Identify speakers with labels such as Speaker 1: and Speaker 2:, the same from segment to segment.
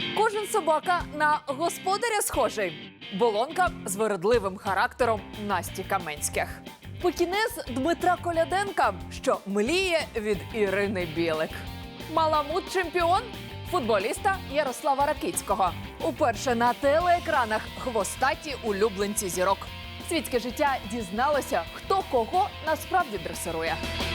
Speaker 1: Кожен собака на господаря схожий. Болонка з виродливим характером Насті Каменських. Пекінез Дмитра Коляденка, що мліє від Ірини Білик. Маламут-чемпіон футболіста Ярослава Ракицького. Уперше на телеекранах хвостаті улюбленці зірок. Світське життя дізналося, хто кого насправді дресирує.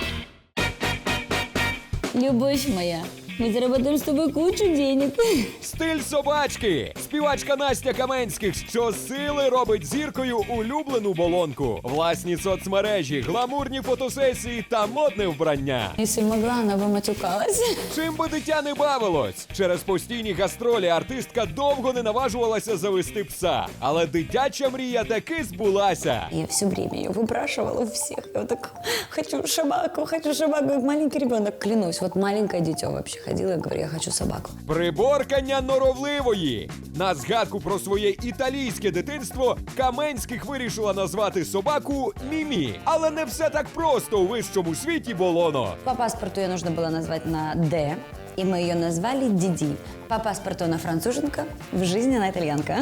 Speaker 2: Любовь моя, мы заработаем с тобой кучу денег.
Speaker 3: Стиль собачки. Співачка Настя Каменських щосили робить зіркою улюблену болонку. Власні соцмережі, гламурні фотосесії та модне вбрання.
Speaker 2: Если могла, она бы матюкалась.
Speaker 3: Чим би дитя не бавилось? Через постійні гастролі артистка довго не наважувалася завести пса. Але дитяча мрія таки збулася.
Speaker 2: Я все время ее выпрашивала у всех. Я вот так, хочу собаку, как маленький ребенок. Клянусь, вот маленькое дитё вообще ходила и говорила, я хочу собаку.
Speaker 3: Приборкання норовливої. На згадку про своє італійське дитинство Каменських вирішила назвати собаку Мімі. Але не все так просто у вищому світі, Болоно.
Speaker 2: По паспорту ее нужно было назвать на «Д», и мы ее назвали Диди. По паспорту она француженка, в жизни она итальянка.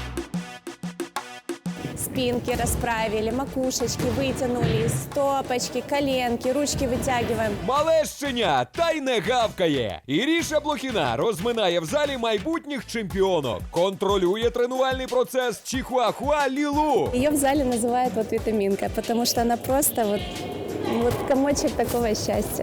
Speaker 4: Спинки расправили, макушечки вытянули, стопочки, коленки, ручки вытягиваем.
Speaker 3: Мале щеня, та й не гавкає. Іріша Блохіна розминає в залі майбутніх чемпіонок. Контролює тренувальний процес Чихуахуа Лілу.
Speaker 4: Ее в зале называют вот витаминка, потому что она просто вот комочек такого счастья.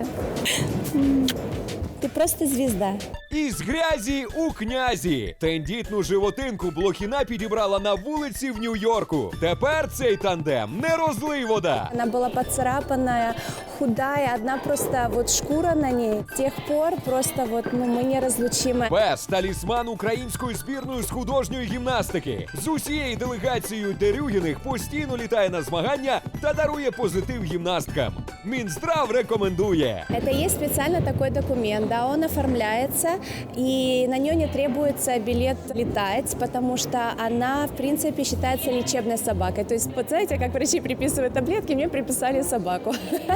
Speaker 4: Ты просто звезда.
Speaker 3: Із грязі у князі. Тендітну животинку Блохіна підібрала на вулиці в Нью-Йорку. Тепер цей тандем не розлий вода.
Speaker 4: Она была поцарапанная, худая, одна просто вот шкура на ней. С тех пор просто мы неразлучимы.
Speaker 3: Пес – талісман української збірної з художньої гімнастики. З усією делегацією Дерюгіних постійно літає на змагання та дарує позитив гімнасткам. Мінздрав рекомендує.
Speaker 4: Это есть специально такой документ, да, он оформляется, и на нее не требуется билет летать, потому что она, в принципе, считается лечебной собакой. То есть, вот знаете, как врачи приписывают таблетки, мне приписали собаку.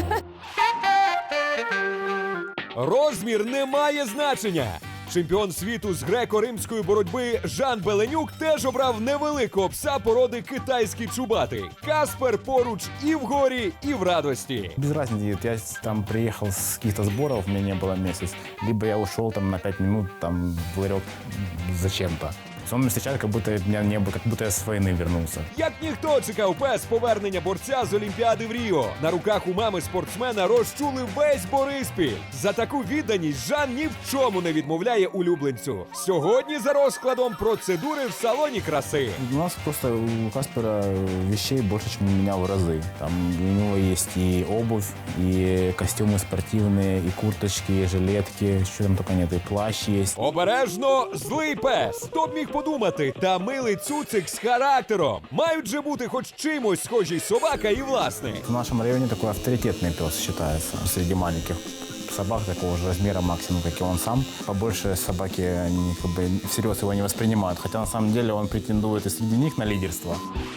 Speaker 3: Розмір не має значення. Чемпіон світу з греко-римської боротьби Жан Беленюк теж обрав невеликого пса породи китайський чубатий. Каспер поруч і в горі, і в радості.
Speaker 5: Без разницы, я там приехал с каких-то сборов, у меня не было месяц, либо я ушел там на 5 минут, там в ларек зачем-то. Он меня встречает, как будто меня не было, как будто я с войны вернулся.
Speaker 3: Як ніхто чекав пес повернення борця з Олімпіади в Ріо. На руках у мами спортсмена розчули весь Бориспіль. За таку відданість Жан ні в чому не відмовляє улюбленцю. Сьогодні за розкладом процедури в салоні краси.
Speaker 5: У нас просто у Каспера вещей больше, чем у меня в разы. Там у него есть и обувь, и костюмы спортивные, и курточки, и жилетки, что там только нет, и плащ есть.
Speaker 3: Обережно, злий пес. Хто б міг подумати, та милий цуцик з характером. Мають же бути хоч чимось схожі собака і власник.
Speaker 5: В нашем районе такой авторитетный пес считается среди маленьких собак такого же размера максимум, как и он сам. Побольше собаки, они как бы всерьез его не воспринимают, хотя на самом деле он претендует и среди них на лидерство.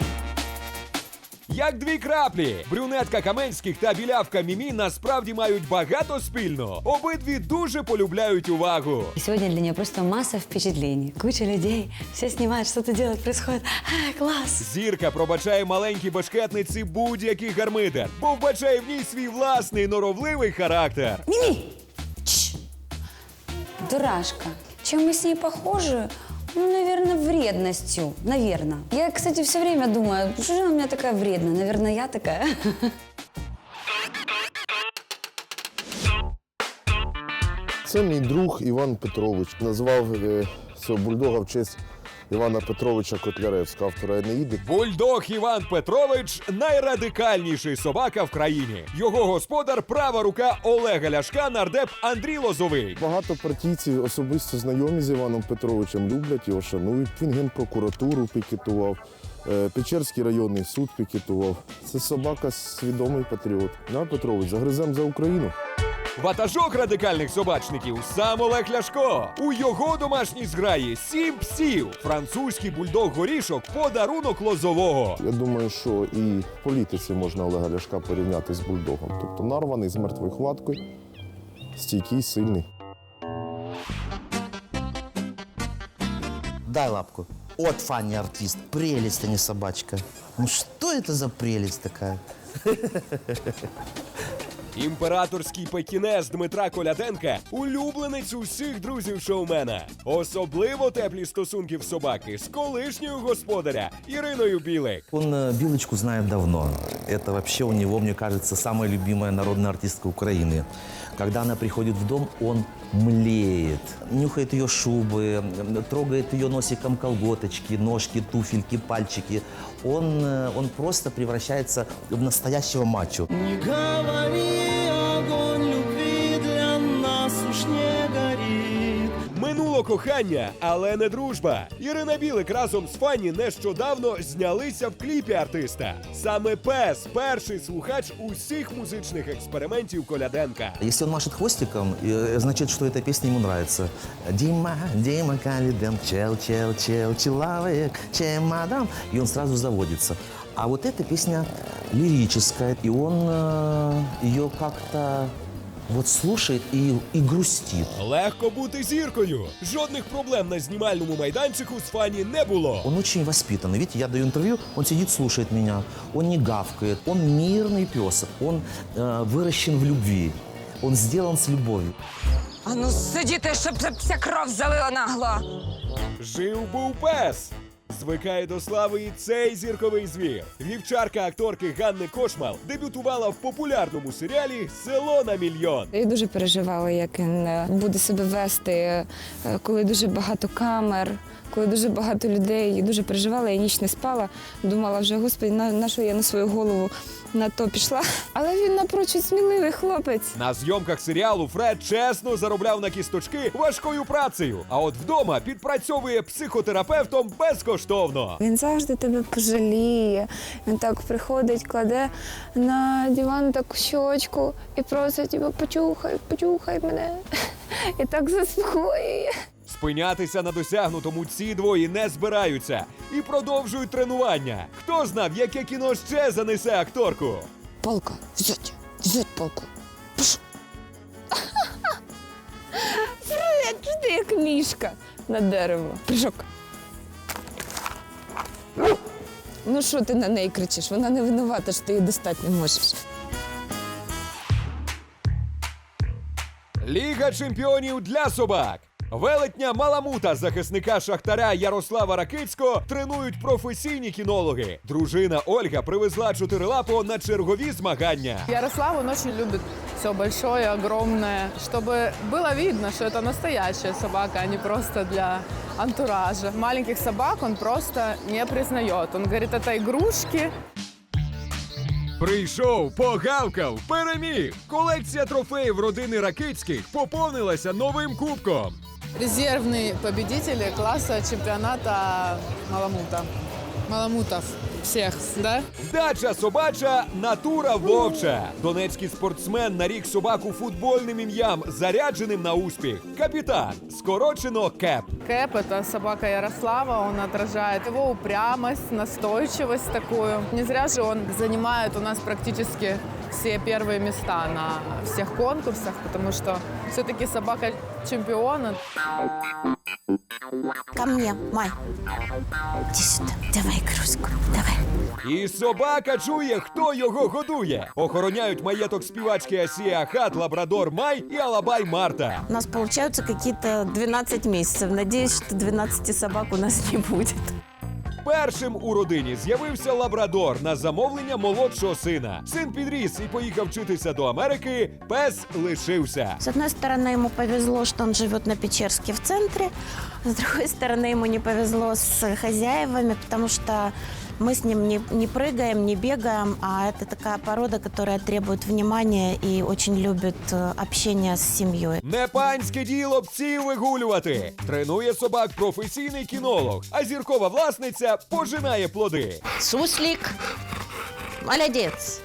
Speaker 3: Як дві краплі. Брюнетка Каменських та білявка Мімі насправді мають багато спільного. Обидві дуже полюбляють увагу.
Speaker 2: И сегодня для нее просто масса впечатлений. Куча людей, все снимают, что-то делают, происходит. Класс!
Speaker 3: Зірка пробачає маленькій башкетниці будь-який гармидер, бо вбачає в ній свій власний норовливий характер.
Speaker 2: Мими! Чш! Дурашка. Чем мы с ней похожи? Ну, наверное, вредностью. Наверное. Я, кстати, все время думаю, что же она у меня такая вредная? Наверное, я такая.
Speaker 6: Це мій друг Іван Петрович. Назвав цього бульдога в честь Івана Петровича Котляревського, автора «Енеїди».
Speaker 3: Бульдог Іван Петрович – найрадикальніший собака в країні. Його господар – права рука Олега Ляшка, нардеп Андрій Лозовий.
Speaker 6: Багато партійців особисто знайомі з Іваном Петровичем, люблять його, шанують. Він Генпрокуратуру пікетував, Печерський районний суд пікетував. Це собака свідомий патріот. Іван Петрович, загризем за Україну.
Speaker 3: Ватажок радикальних собачників – сам Олег Ляшко. У його домашній зграї 7 псів. Французький бульдог Горішок – подарунок Лозового.
Speaker 6: Я думаю, що і в політиці можна Олега Ляшка порівняти з бульдогом. Тобто нарваний, з мертвою хваткою, стійкий, сильний.
Speaker 7: дай лапку. Вот Фанни артист, прелесть, а не собачка. Ну что это за прелесть такая?
Speaker 3: Імператорський пекінез Дмитра Коляденка – улюбленець усіх друзів шоумена. Особливо теплі стосунки в собаки з колишньою господаря Іриною Білик.
Speaker 7: Он Билочку знает давно. Это вообще у него, мне кажется, самая любимая народная артистка Украины. Когда она приходит в дом, он млеет. Нюхает ее шубы, трогает ее носиком колготочки, ножки, туфельки, пальчики. Он просто превращается в настоящего мачо.
Speaker 8: Не говори, огонь любви для нас уж не горит.
Speaker 3: Минуло кохання, але не дружба. Ірина Білик разом з Фанні нещодавно знялися в кліпі артиста. Саме пес – перший слухач усіх музичних експериментів Коляденка.
Speaker 7: Если он машет хвостиком, значит, что эта песня ему нравится. Дима, Дима Калиден, чел, чел, чел, человек, чемодан. И он сразу заводится. А вот эта песня лирическая, и он ее как-то вот слушает и грустит.
Speaker 3: Легко бути зіркою. Жодних проблем на знімальному майданчику з Фанні не було.
Speaker 7: Он очень воспитанный. Видите, я даю интервью, он сидит, слушает меня. Он не гавкает. Он мирный пес. Он выращен в любви. Он сделан с любовью.
Speaker 9: А ну сидіти, щоб вся кров залила нагло.
Speaker 3: Жив-був пес. Звикає до слави і цей зірковий звір. Вівчарка акторки Ганни Кошмал дебютувала в популярному серіалі «Село на мільйон».
Speaker 10: Я дуже переживала, як він буде себе вести, коли дуже багато камер, коли дуже багато людей. Я дуже переживала, я ніч не спала. Думала вже, господи, на що я на свою голову на то пішла. Але він напрочуд сміливий хлопець.
Speaker 3: На зйомках серіалу Фред чесно заробляв на кісточки важкою працею. А от вдома підпрацьовує психотерапевтом безкоштовно.
Speaker 10: Він завжди тебе пожаліє. Він так приходить, кладе на диван таку щочку і просить тебе, почухай мене. І так заспокоює.
Speaker 3: Спинятися на досягнутому ці двоє не збираються і продовжують тренування. Хто знав, яке кіно ще занесе акторку?
Speaker 10: Палка, взять палку. Пш. Фред, ти як мішка на дерево. Прыжок. Ну що ти на неї кричиш? Вона не винувата, що ти її достати не можеш.
Speaker 3: Ліга чемпіонів для собак. Велетня Маламута, захисника Шахтаря Ярослава Ракицького, тренують професійні кінологи. Дружина Ольга привезла чотирилапого на чергові змагання.
Speaker 11: Ярослав, он очень любит все большое, огромное, чтобы было видно, что это настоящая собака, а не просто для антуража. Маленьких собак он просто не признает. Он говорит, это игрушки.
Speaker 3: Прийшов, погавкав, переміг. Колекція трофеїв родини Ракицьких поповнилася новим кубком.
Speaker 11: Резервные победители класса чемпионата Маламута. Маламутов всех, да?
Speaker 3: Дача собача, натура вовча. Донецький спортсмен нарік собаку футбольним ім'ям, зарядженим на успіх. Капітан, скорочено Кеп.
Speaker 11: Кэп – это собака Ярослава, он отражает его упрямость, настойчивость такую. Не зря же он занимает у нас практически все первые места на всех конкурсах, потому что все-таки собака чемпиона.
Speaker 2: Ко мне, Май. Иди сюда, давай игрушку, давай.
Speaker 3: І собака чує, хто його годує. Охороняють маєток співачки Асія Хат, лабрадор Май і алабай Марта.
Speaker 12: У нас получаются какие-то 12 месяцев. Надеюсь, что 12 собак у нас не будет.
Speaker 3: Першим у родині з'явився лабрадор на замовлення молодшого сина. Син підріс і поїхав вчитися до Америки, пес лишився.
Speaker 12: С одной стороны, ему повезло, что он живет на Печерске в центре. С другой стороны, ему не повезло с хозяевами, потому что мы с ним не прыгаем, не бегаем, а это такая порода, которая требует внимания и очень любит общение с семьей.
Speaker 3: Не панське діло псів вигулювати. Тренує собак професійний кінолог, а зіркова власниця пожинає плоди.
Speaker 12: Суслик, молодец.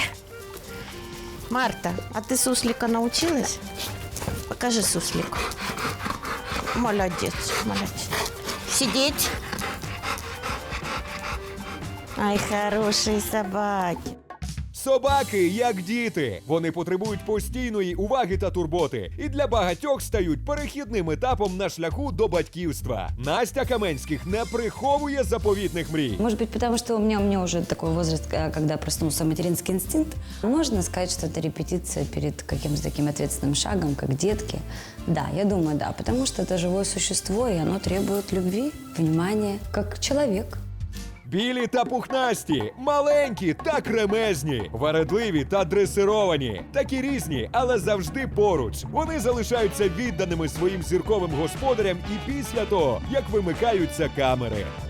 Speaker 12: Марта, а ты суслика научилась? Покажи суслик. Молодец, молодец. Сидеть. Ай, хорошие собаки.
Speaker 3: Собаки, як діти. Вони потребують постійної уваги та турботи. І для багатьох стають перехідним етапом на шляху до батьківства. Настя Каменських не приховує заповітних мрій.
Speaker 2: Может быть, потому что у меня уже такой возраст, когда проснулся материнский инстинкт. Можно сказать, что это репетиция перед каким-то таким ответственным шагом, как детки. Да, я думаю, да, потому что это живое существо, и оно требует любви, внимания, как человек.
Speaker 3: Білі та пухнасті, маленькі та кремезні, вередливі та дресировані. Такі різні, але завжди поруч. Вони залишаються відданими своїм зірковим господарям і після того, як вимикаються камери.